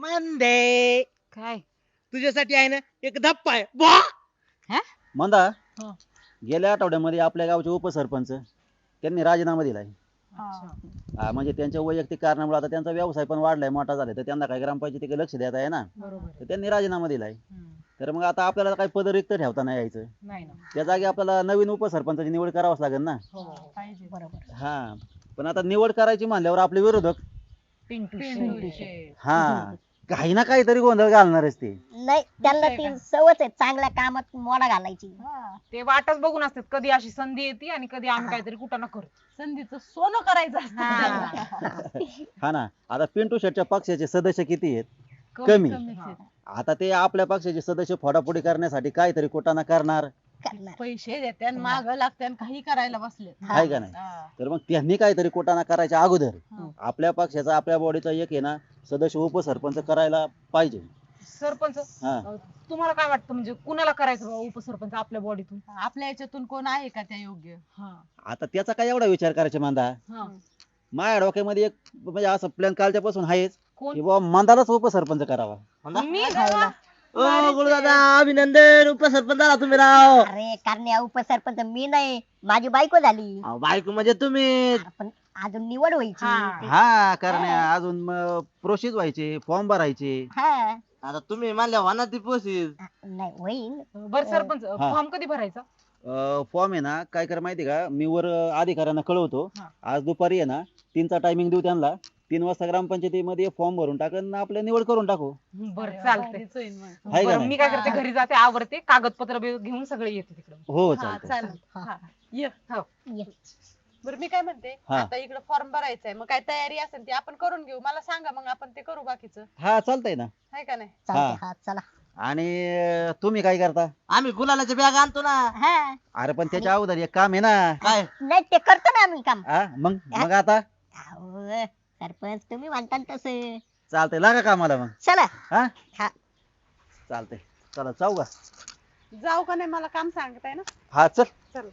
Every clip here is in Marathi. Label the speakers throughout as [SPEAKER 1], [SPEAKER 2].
[SPEAKER 1] मंदे
[SPEAKER 2] काय
[SPEAKER 1] तुझ्यासाठी आहे ना एक धप्पा आहे बुवा.
[SPEAKER 3] मंदा
[SPEAKER 1] हा.
[SPEAKER 3] गेल्या आठवड्यामध्ये आपल्या गावचे उपसरपंच त्यांनी राजीनामा दिलाय. म्हणजे त्यांच्या वैयक्तिक कारणामुळे आता त्यांचा व्यवसाय पण वाढलाय, मोठा झालाय, तर त्यांना काही ग्रामपंचायतीकडे लक्ष देता आहे ना, तर त्यांनी राजीनामा दिलाय. तर मग आता आपल्याला काही पद रिक्त ठेवता नाही यायचं. त्या जागी आपल्याला नवीन उपसरपंचाची निवड करावंच लागेल ना.
[SPEAKER 2] बरोबर
[SPEAKER 3] हा, पण आता निवड करायची म्हणल्यावर आपले विरोधक हा काही ना काहीतरी गोंधळ घालणारच ते.
[SPEAKER 4] नाही त्यांना ती सवच आहे चांगल्या कामात मोडा घालायची.
[SPEAKER 2] ते वाटच बघून असतात कधी अशी संधी येते आणि कधी आम्ही काहीतरी कुठं ना करू संधीचं सोनं करायचं असतं.
[SPEAKER 3] हा ना, आता पिंटू शेटच्या पक्षाचे सदस्य किती आहेत? कमी. आता ते आपल्या पक्षाचे सदस्य फोडाफोडी करण्यासाठी काहीतरी कुटाणा करणार,
[SPEAKER 2] पैसे देत्यान माग लागत्यान काही करायला बसले
[SPEAKER 3] आहे का नाही? तर मग त्यांनी काहीतरी कुटाणा करायच्या अगोदर आपल्या पक्षाचा, आपल्या बॉडीचा एक आहे ना सदस्य उपसरपंच करायला पाहिजे.
[SPEAKER 2] सरपंच
[SPEAKER 3] हा.
[SPEAKER 2] तुम्हाला काय वाटतं म्हणजे कुणाला करायचं बाबा उपसरपंच आपल्या बॉडीतून आपल्या याच्यातून कोण आहे का त्या योग्य?
[SPEAKER 3] आता त्याचा काय एवढा विचार करायचा मांदा. माझ्या डोक्यामध्ये एक म्हणजे असं प्लॅन कालच्या पासून आहेच
[SPEAKER 2] कोण?
[SPEAKER 3] की बाबा मंदालाच उपसरपंच करावा.
[SPEAKER 2] मी
[SPEAKER 1] ओ गुरुदादा अभिनंदन उपसरपंच झाला तुम्ही राव.
[SPEAKER 4] अरे करण्या उपसरपंच मी नाही, माझी बायको झाली.
[SPEAKER 1] अहो, बायको म्हणजे तुम्ही.
[SPEAKER 4] पण अजून निवड व्हायची.
[SPEAKER 3] हा करण्या, अजून प्रोसेस व्हायचे, फॉर्म भरायचे.
[SPEAKER 4] हा
[SPEAKER 1] आता तुम्ही म्हणल्या होणार ती प्रोसेस.
[SPEAKER 4] नाही होईल.
[SPEAKER 2] बर सरपंच फॉर्म कधी भरायचा?
[SPEAKER 3] फॉर्म आहे ना काय करा माहिती का, मी वर अधिकाऱ्यांना कळवतो.
[SPEAKER 2] हा.
[SPEAKER 3] आज दुपारी आहे ना 3चा टायमिंग देऊ त्यांना. 3 वाजता ग्रामपंचायतीमध्ये फॉर्म भरून टाकून आपल्या निवड करून टाकू.
[SPEAKER 2] बरं चालतंय.
[SPEAKER 3] आहे का
[SPEAKER 2] बरं
[SPEAKER 3] नाही?
[SPEAKER 2] मी काय करते घरी जाते आवरते कागदपत्र घेऊन सगळे येते तिकडे.
[SPEAKER 3] हो चालतंय.
[SPEAKER 4] ये.
[SPEAKER 5] बरं मी काय म्हणते,
[SPEAKER 3] हा.
[SPEAKER 5] आता इकडे फॉर्म भरायचा आहे, मग काय तयारी असेल ती आपण करून घेऊ. मला सांगा मग आपण ते करू बाकीचं,
[SPEAKER 3] हा चालतंय ना.
[SPEAKER 5] आहे का नाही?
[SPEAKER 4] चालतंय. हा चला.
[SPEAKER 3] आणि तुम्ही काय करता?
[SPEAKER 1] आम्ही गुलालाच्या बॅग आणतो ना.
[SPEAKER 4] हा
[SPEAKER 3] अरे पण त्याच्या अगोदर एक काम आहे ना.
[SPEAKER 1] काय
[SPEAKER 4] नाही ते करतो ना आम्ही काम.
[SPEAKER 3] मग मग आता
[SPEAKER 4] अहो, सरपंच तुम्ही म्हणता तसं.
[SPEAKER 3] चालतंय, लागा कामाला मग.
[SPEAKER 4] चला.
[SPEAKER 3] हा
[SPEAKER 4] हा.
[SPEAKER 3] चालतंय, चला जाऊ का?
[SPEAKER 5] जाऊ का नाही मला काम सांगताय ना.
[SPEAKER 3] हा चल.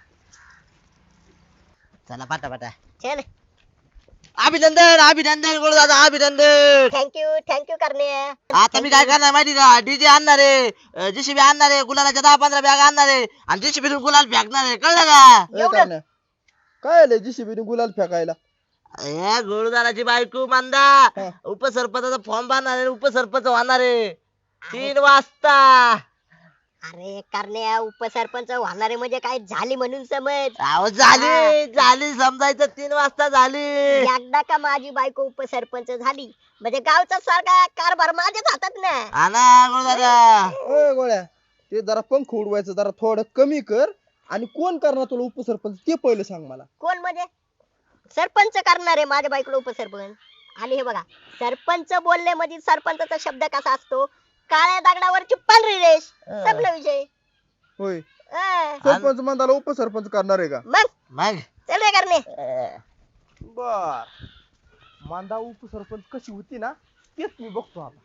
[SPEAKER 1] चला पाटा
[SPEAKER 4] चल.
[SPEAKER 1] अभिनंदन अभिनंदन गुरुदादा अभिनंदन.
[SPEAKER 4] थँक्यू करण्या.
[SPEAKER 1] आता मी काय करणार माहिती का, डीजे आणणार आहे, जेसीबी आणणार आहे, गुलालाच्या 10-15 बॅग आणणार आहे आणि जेसीबी गुलाल फेकणार आहे, कळलं का?
[SPEAKER 4] एवढं?
[SPEAKER 6] काय आलंय जीसीबी गुलाल फेकायला?
[SPEAKER 1] ए गुरुदाराची बायको मांदा उपसरपंचाचा फॉर्म भरणार आहे, उपसरपंच होणार आहे 3 वाजता.
[SPEAKER 4] अरे करण्या उपसरपंच होणारे म्हणजे काय झाली म्हणून समज.
[SPEAKER 1] अहो झाली समजायचं 3 वाजता झाली.
[SPEAKER 4] एकदा का माझी बायको उपसरपंच झाली म्हणजे गावचा सारखा कारभार माझ्याच हातात ना.
[SPEAKER 1] आणा गुरुदादा.
[SPEAKER 6] ओय गोळ्या, ते जरा पंख उडवायचं जरा थोडं कमी कर. आणि कोण करणार तुला उपसरपंच ते पहिले सांग मला.
[SPEAKER 4] कोण म्हणजे सरपंच करणार आहे माझ्या बायकोला उपसरपंच. आणि हे बघा सरपंच बोलले म्हणजे सरपंचाचा शब्द कसा असतो, काळ्या दगडावरची पांढरी रेष. संपला विषय.
[SPEAKER 6] होय,
[SPEAKER 4] अं,
[SPEAKER 6] सरपंच मंदाला उपसरपंच करणार आहे का?
[SPEAKER 1] मग
[SPEAKER 4] चल रे करणे.
[SPEAKER 6] बर, मांदा उपसरपंच कशी होती ना तेच मी बघतो आता.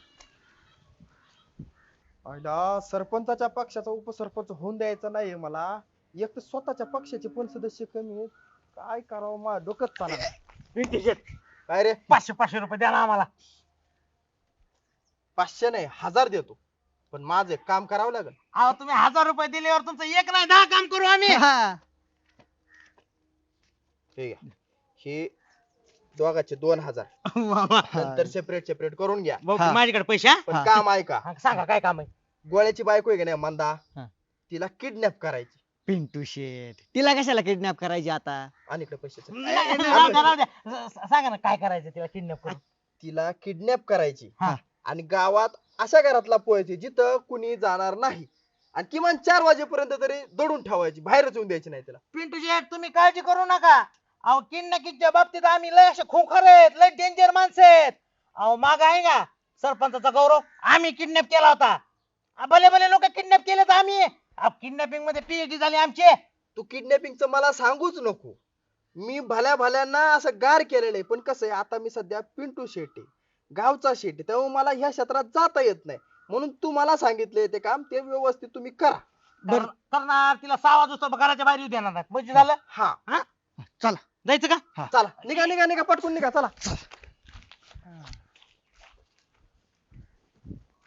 [SPEAKER 6] आयला सरपंचाच्या पक्षाचा उपसरपंच होऊन द्यायचा नाहीये मला. एक तर स्वतःच्या पक्षाचे पण सदस्य कमी आहेत. काय करावं, माझं डोकंच चालणार. काय रे?
[SPEAKER 1] 500 रुपये द्या ना आम्हाला.
[SPEAKER 6] 500 नाही 1000 देतो, पण माझं एक काम करावं लागेल.
[SPEAKER 1] अहो तुम्ही 1000 रुपये दिल्यावर तुमचं 1 नाही 10 काम करू आम्ही.
[SPEAKER 6] हे घ्या, हे दोघाचे 2000 नंतर सेपरेट करून घ्या.
[SPEAKER 1] माझ्याकडे पैसे
[SPEAKER 6] पण काम ऐका,
[SPEAKER 1] सांगा काय काम आहे.
[SPEAKER 6] गोळ्याची बायको आहे का नाही मंदा,
[SPEAKER 1] हा.
[SPEAKER 6] तिला किडनॅप करायची.
[SPEAKER 1] पिंटू शेट तिला कशाला किडनॅप करायची आता?
[SPEAKER 6] आणि इकडे पैसे
[SPEAKER 1] सांगा ना काय करायचं तिला किडनॅप करून.
[SPEAKER 6] तिला किडनॅप करायची
[SPEAKER 1] हा.
[SPEAKER 6] आणि गावात अशा घरातला पोहायची जिथं कुणी जाणार नाही, आणि किमान 4 वाजेपर्यंत तरी दडून ठेवायची, बाहेरच येऊन द्यायची नाही तिला.
[SPEAKER 1] पिंटू शेट तुम्ही काळजी करू नका. अहो किडनॅपिंगच्या बाबतीत आम्ही लय असे खोखर आहेत, लय डेंजर माणसं आहेत. अहो माग आहे का सरपंचाचा गौरव, आम्ही किडनॅप केला होता. भले भले लोक किडनॅप केले तर आम्ही किडनॅपिंग मध्ये पीएचडी झाली आमची.
[SPEAKER 6] तू किडनॅपिंगचं मला सांगूच नको. मी भल्या भल्यांना असं गार केलेलं आहे, पण कसं आहे आता मी सध्या पिंटू शेट आहे, गावचा शेट आहे, त्यामुळे मला ह्या क्षेत्रात जाता येत नाही. म्हणून तू मला सांगितले ते काम ते व्यवस्थित तुम्ही करा.
[SPEAKER 1] करणार तिला 6 वाजता घराच्या बाहेर येऊ देणार नाही. म्हणजे झालं.
[SPEAKER 6] हा
[SPEAKER 1] चला जायचं का?
[SPEAKER 6] चला निघा पटकून निघा चला.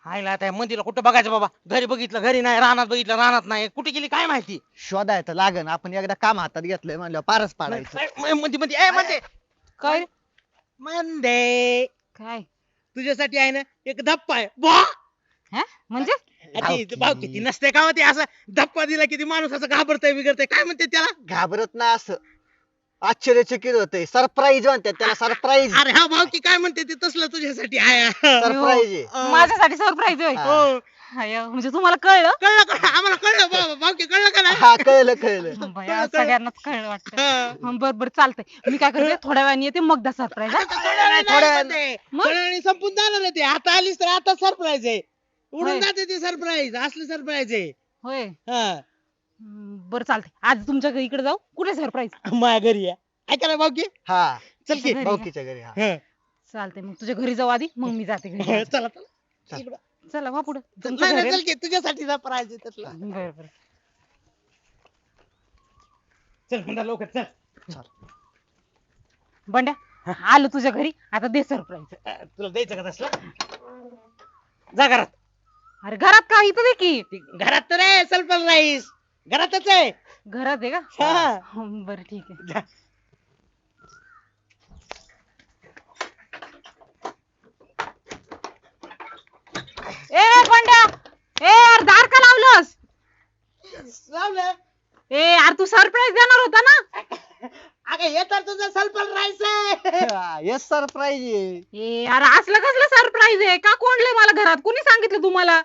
[SPEAKER 1] हायला त्या मंदीला कुठं बघायचं बाबा, घरी बघितलं घरी नाही, रानात बघितलं रानात नाही, कुठे गेली काय माहिती.
[SPEAKER 7] शोधायचं लागन, आपण एकदा काम हातात घेतलंय म्हणलं पारच पाडायचं.
[SPEAKER 1] मंदी मंदी ए मंदे
[SPEAKER 2] काय
[SPEAKER 1] मंदे,
[SPEAKER 2] काय
[SPEAKER 1] तुझ्यासाठी आहे ना एक धप्पा आहे बुवा.
[SPEAKER 2] हा म्हणजे
[SPEAKER 1] भाऊ किती नसते का हो ते, असं धप्पा दिला किती माणूस असं घाबरतय बिगडतय, काय म्हणते त्याला.
[SPEAKER 7] घाबरत नाही असं, आश्चर्यचकित होतंय. सरप्राईज म्हणतात त्याला, सरप्राईज.
[SPEAKER 1] अरे हा भाऊ की काय म्हणते ते तसलं तुझ्यासाठी आहे.
[SPEAKER 7] सरप्राईज आहे.
[SPEAKER 2] माझ्यासाठी सरप्राईज होय
[SPEAKER 1] हो.
[SPEAKER 2] हाय, म्हणजे तुम्हाला कळलं
[SPEAKER 1] कळलं का आम्हाला, कळलं बाबा भाऊ की कळलं का नाही.
[SPEAKER 7] हा कळलं कळलं.
[SPEAKER 2] बया, सगळ्यांनाच कळलं वाटतं.
[SPEAKER 1] हा.
[SPEAKER 2] बर बर चालतंय, मी काय करते थोड्या वेळाने येते मग दा सरप्राईज. मग?
[SPEAKER 1] थोड्या वेळाने संपून जाणार आहे ते, आता आलीस तर आता सरप्राईज आहे,
[SPEAKER 2] होय.
[SPEAKER 1] उडून जाते ते सरप्राईज, असले सरप्राईज आहे.
[SPEAKER 2] होय
[SPEAKER 1] हा.
[SPEAKER 2] बर चालतंय, आज तुमच्या घरी इकडे जाऊ. कुठे सरप्राईज?
[SPEAKER 1] माझ्या घरी आहे, ऐका ना भाऊ की.
[SPEAKER 7] हा
[SPEAKER 1] चल की.
[SPEAKER 2] घरी
[SPEAKER 7] भाऊकीच्या घरी. हा
[SPEAKER 1] हा.
[SPEAKER 2] चालतंय, मग तुझ्या घरी जाऊ आधी, मग मी जाते घरी.
[SPEAKER 1] चला चला इकडं.
[SPEAKER 2] चला वा पुढे.
[SPEAKER 1] नाही नाही, चल की तुझ्यासाठी सरप्राईज आहे तसला.
[SPEAKER 2] बर बर
[SPEAKER 1] चल म्हणा लवकर चल.
[SPEAKER 2] बंड्या आलो तुझ्या घरी, आता दे सरप्राईज.
[SPEAKER 1] तुला द्यायचं का तसलं, जा घरात.
[SPEAKER 2] अरे घरात का, इथं दे की.
[SPEAKER 1] ती घरात तर आहे सरप्राईज, घरातच आहे.
[SPEAKER 2] घरात आहे का?
[SPEAKER 1] हा.
[SPEAKER 2] बर ठीक आहे.
[SPEAKER 1] जा.
[SPEAKER 2] ए बंड्या, ए यार दार का लावलंस?
[SPEAKER 1] लावलं.
[SPEAKER 2] ए यार तू सरप्राईज देणार होता ना.
[SPEAKER 1] अगं हे तर तुझं सरप्राईज आहे.
[SPEAKER 7] येस सरप्राईज आहे.
[SPEAKER 2] ए यार असलं कसलं सरप्राईज आहे, का कोणले मला घरात, कोणी सांगितलं तुम्हाला?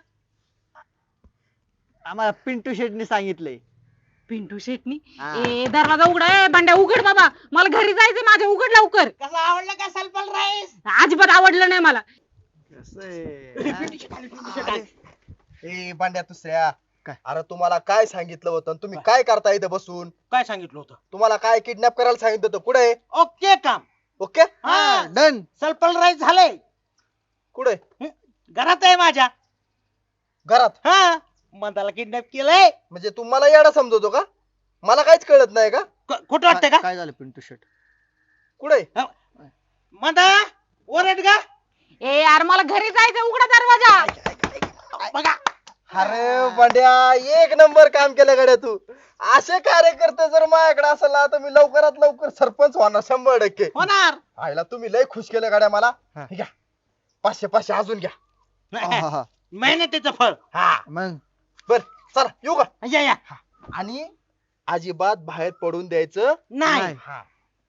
[SPEAKER 7] आम्हाला पिंटू शेटने सांगितलंय.
[SPEAKER 2] पिंटू शेटनी.
[SPEAKER 7] हा.
[SPEAKER 2] ए दरवाजा उघडा, ए बंड्या उघड बाबा, मला घरी जायचंय माझ्या, उघड लवकर.
[SPEAKER 1] कसं आवडलं का सरप्राईज.
[SPEAKER 2] अजिबात आवडलं नाही मला.
[SPEAKER 7] कसं आहे?
[SPEAKER 6] ए बांड्या दुसऱ्या,
[SPEAKER 7] काय?
[SPEAKER 6] अरे तुम्हाला काय सांगितलं होतं आणि तुम्ही काय करता इथं बसून?
[SPEAKER 1] काय सांगितलं होतं.
[SPEAKER 6] तुम्हाला काय किडनॅप करायला सांगितलं होतं? कुठे?
[SPEAKER 1] ओके काम.
[SPEAKER 6] ओके.
[SPEAKER 1] हा
[SPEAKER 7] डन.
[SPEAKER 1] सरप्राईज झालंय.
[SPEAKER 6] कुठे?
[SPEAKER 1] घरात आहे माझ्या.
[SPEAKER 6] घरात?
[SPEAKER 1] हा मनाला किडनॅप केलंय.
[SPEAKER 6] म्हणजे तू मला येडा समजवतो का? मला काहीच कळत नाही का?
[SPEAKER 1] खोटं वाटतंय का.
[SPEAKER 7] काय झालं पिंटू शेट?
[SPEAKER 6] कुठे?
[SPEAKER 1] म्हणता ओरड का.
[SPEAKER 2] ए यार मला घरी जायचंय, उघडा दरवाजा.
[SPEAKER 1] बघा
[SPEAKER 6] अरे बांड्या, एक नंबर काम केलं गड्या तू. असे कार्यकर्ते जर माझ्याकडे असेल ना तर मी लवकरात लवकर सरपंच होणार 100%.
[SPEAKER 1] होणार.
[SPEAKER 6] आईला तुम्ही लय खुश केलं गड्या मला.
[SPEAKER 7] हा.
[SPEAKER 6] हे घ्या 500 अजून घ्या.
[SPEAKER 7] हा, हा.
[SPEAKER 1] मेहनतीचं फळ.
[SPEAKER 6] हा
[SPEAKER 7] मग
[SPEAKER 6] बर चला येऊ का?
[SPEAKER 1] या या.
[SPEAKER 6] आणि अजिबात बाहेर पडून द्यायचं
[SPEAKER 1] नाही.
[SPEAKER 7] नाही.
[SPEAKER 6] हा.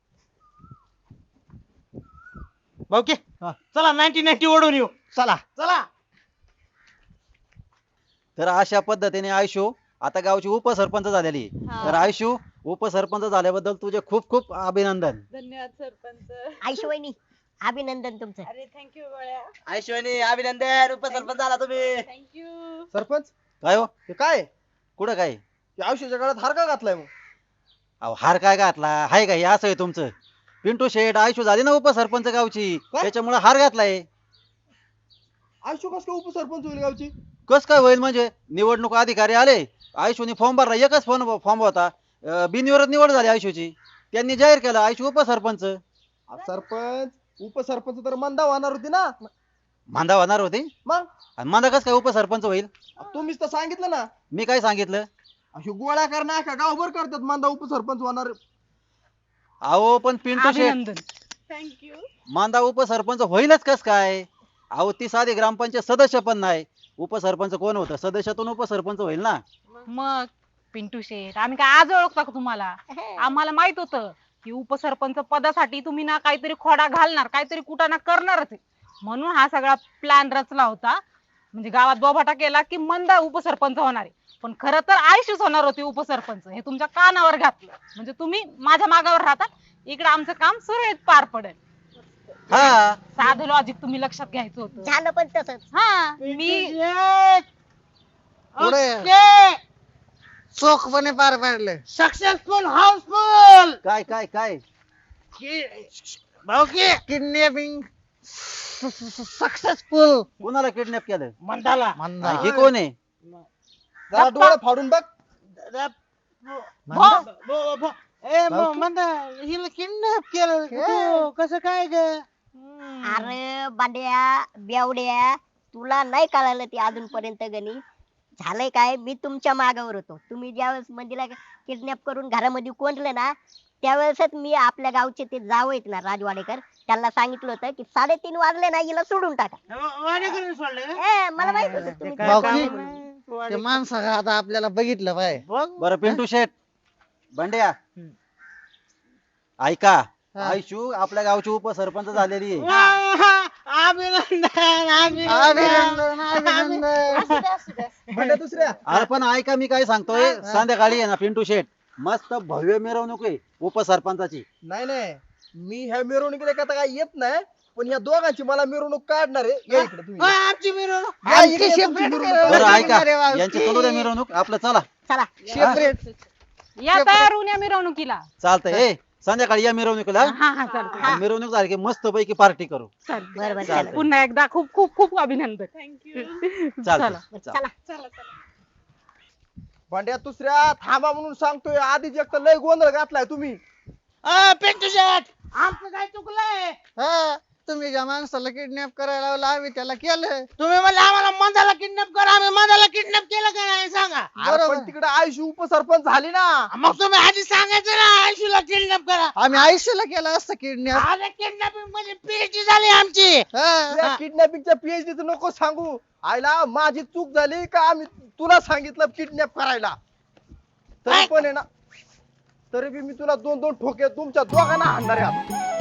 [SPEAKER 1] भाऊकी
[SPEAKER 7] हा.
[SPEAKER 1] चला 90-90 ओढून येऊ.
[SPEAKER 7] चला.
[SPEAKER 1] चला.
[SPEAKER 3] तर अशा पद्धतीने आयशू आता गावची उपसरपंच झालेली आहे.
[SPEAKER 5] हा.
[SPEAKER 3] तर आयशू उपसरपंच झाल्याबद्दल तुझे खूप खूप अभिनंदन.
[SPEAKER 5] धन्यवाद सरपंच.
[SPEAKER 4] आईशिवायनी अभिनंदन तुमचं.
[SPEAKER 5] अरे थँक्यू गोळ्या.
[SPEAKER 1] ऐश्वनी अभिनंदन, उपसरपंच झाला तुम्ही.
[SPEAKER 5] थँक्यू.
[SPEAKER 6] सरपंच
[SPEAKER 3] काय हो
[SPEAKER 6] हे काय?
[SPEAKER 3] कुठं काय
[SPEAKER 6] या आयुष्याच्या काळात हार का घातलाय मग?
[SPEAKER 3] अहो हार काय घातला हाय का, हे असं आहे तुमचं. पिंटू शेठ आयशू झाली ना उपसरपंच गावची,
[SPEAKER 6] काय?
[SPEAKER 3] त्याच्यामुळे हार घातलाय.
[SPEAKER 6] आयुष्य कस काय उपसरपंच होईल गावची?
[SPEAKER 3] कस काय होईल म्हणजे, निवडणूक अधिकारी आले, आयशूने फॉर्म भरला, एकच फॉर्म होता, बिनविरोध निवड झाली आयशूची. त्यांनी जाहीर केलं आयशू उपसरपंच.
[SPEAKER 6] सरपंच उपसरपंच तर मंदा होणार होती ना.
[SPEAKER 3] मांदा होणार होती,
[SPEAKER 6] मग
[SPEAKER 3] आणि मांदा कस काय उपसरपंच होईल.
[SPEAKER 6] तुम्हीच तर सांगितलं ना.
[SPEAKER 3] मी काय सांगितलं.
[SPEAKER 6] अशी गोळ्या करणं का गावभर करतात मंदा उपसरपंच होणार.
[SPEAKER 3] अहो पण पिंटू शेठ
[SPEAKER 2] अभिनंदन.
[SPEAKER 5] थँक्यू.
[SPEAKER 3] मांदा उपसरपंच होईलच कस काय. अहो ती साधी ग्रामपंचायत सदस्य पण नाही, उपसरपंच कोण होतं, सदस्यातून उपसरपंच होईल ना.
[SPEAKER 2] मग पिंटू शेठ आम्ही काय आज ओळखता का तुम्हाला? आम्हाला माहित होतं की उपसरपंच पदासाठी तुम्ही ना काहीतरी खोडा घालणार, काहीतरी कुटाणा करणारच आहे. म्हणून हा सगळा प्लॅन रचला होता. म्हणजे गावात बोभाटा केला की मंदा उपसरपंच होणार आहे, पण खरं तर आयशूच होणार होती उपसरपंच. हे तुमच्या कानावर घातलं म्हणजे तुम्ही माझ्या मागावर राहता, इकडे आमचं काम सुरळीत पार पडेल.
[SPEAKER 3] हा
[SPEAKER 2] साधं लॉजिक तुम्ही लक्षात घ्यायचं होतं.
[SPEAKER 4] झालं पण तसंच.
[SPEAKER 2] हा मी
[SPEAKER 7] पुढे चोखपणे पार पाडलं.
[SPEAKER 1] Successful houseful.
[SPEAKER 3] काय काय काय
[SPEAKER 1] भाऊकी
[SPEAKER 7] किडनॅपिंग सक्सेसफुल.
[SPEAKER 3] कोणाला किडनॅप केलं.
[SPEAKER 1] मंदाला.
[SPEAKER 3] आणि हे कोण आहे.
[SPEAKER 6] जरा डोळे फाडून बघ.
[SPEAKER 1] मंदा हिला किडनॅप केलं तू, कसं काय ग.
[SPEAKER 4] अरे बांड्या बेवड्या, तुला नाही कळालं ते अजूनपर्यंत गणी झालंय काय मी तुमच्या मागावर होतो तुम्ही ज्यावेळेस मंदीला किडनॅप करून घरामध्ये कोंडले ना त्यावेळेसच मी आपल्या गावचे ते जाव आहेत ना राजवाडेकर त्यांना सांगितलं होतं की 3:30 वाजले ना हिला सोडून टाका
[SPEAKER 1] वाडेकरांनी सोडलं का?
[SPEAKER 4] मला माहित होतं
[SPEAKER 1] ते
[SPEAKER 4] तुम्ही
[SPEAKER 1] काय
[SPEAKER 4] ते
[SPEAKER 1] काम
[SPEAKER 4] जावई
[SPEAKER 1] नाही.
[SPEAKER 7] ते माणसं आता आपल्याला बघितलं पाय
[SPEAKER 1] बघ
[SPEAKER 3] बरं पिंटू शेठ बंड्या ऐका आयशू आपल्या गावची उपसरपंच झालेली आहे.
[SPEAKER 1] अभिनंदन
[SPEAKER 5] असू द्या, असू द्या.
[SPEAKER 6] म्हणजे दुसऱ्या
[SPEAKER 3] अरे पण ऐका मी काय सांगतोय संध्याकाळी आहे ना पिंटू शेठ मस्त भव्य मिरवणूक आहे उपसरपंचाची.
[SPEAKER 6] नाही नाही मी ह्या मिरवणुकीला का काय येत नाही पण ह्या दोघांची मला मिरवणूक काढणार आहे या इकडे तुम्ही
[SPEAKER 1] आमची मिरवणूक
[SPEAKER 6] या इकडे तुमची मिरवणूक
[SPEAKER 3] बरं
[SPEAKER 6] काढा.
[SPEAKER 3] ऐका यांची करू द्या मिरवणूक आपलं चला
[SPEAKER 4] चला
[SPEAKER 2] या तयार होऊन या मिरवणुकीला.
[SPEAKER 3] चालतंय ए संध्याकाळी या मिरवणुकीला
[SPEAKER 2] हा हा चालतंय.
[SPEAKER 3] आणि मिरवणूक झाली की मस्त पैकी पार्टी करू.
[SPEAKER 2] चालतंय.
[SPEAKER 4] बरं बरं
[SPEAKER 3] चालतंय.
[SPEAKER 4] चला
[SPEAKER 2] पुन्हा एकदा खूप खूप खूप अभिनंदन.
[SPEAKER 5] थँक्यू.
[SPEAKER 3] चालतंय
[SPEAKER 4] चला
[SPEAKER 5] चला चला.
[SPEAKER 6] भांड्या दुसऱ्या थांबा म्हणून सांगतोय आधीच एक तर लय गोंधळ घातलाय तुम्ही
[SPEAKER 1] पिंटू शेट आमचं काय चुकलंय
[SPEAKER 7] तुम्ही ज्या माणसाला किडनॅप करायला लावलं आम्ही त्याला केलं
[SPEAKER 1] तुम्ही म्हणले आम्हाला मंदाला किडनॅप करा आम्ही मंदाला किडनॅप केलं का नाही सांगा
[SPEAKER 6] अरे पण तिकडे आयुष्य उपसरपंच झाली ना
[SPEAKER 1] मग तुम्ही आधी सांगायचं ना आयशूला किडनॅप करा
[SPEAKER 7] आम्ही आयुष्याला केलं असतं किडनॅप
[SPEAKER 1] अरे किडनॅपिंग मध्ये पीएचडी झाली आमची
[SPEAKER 6] किडनॅपिंगच्या पीएचडी नको सांगू आईला माझी चूक झाली का आम्ही तुला सांगितलं किडनॅप करायला तरी पण आहे ना तरी बी मी तुला 2-2 ठोके तुमच्या दोघांना हाणणार आहे आता.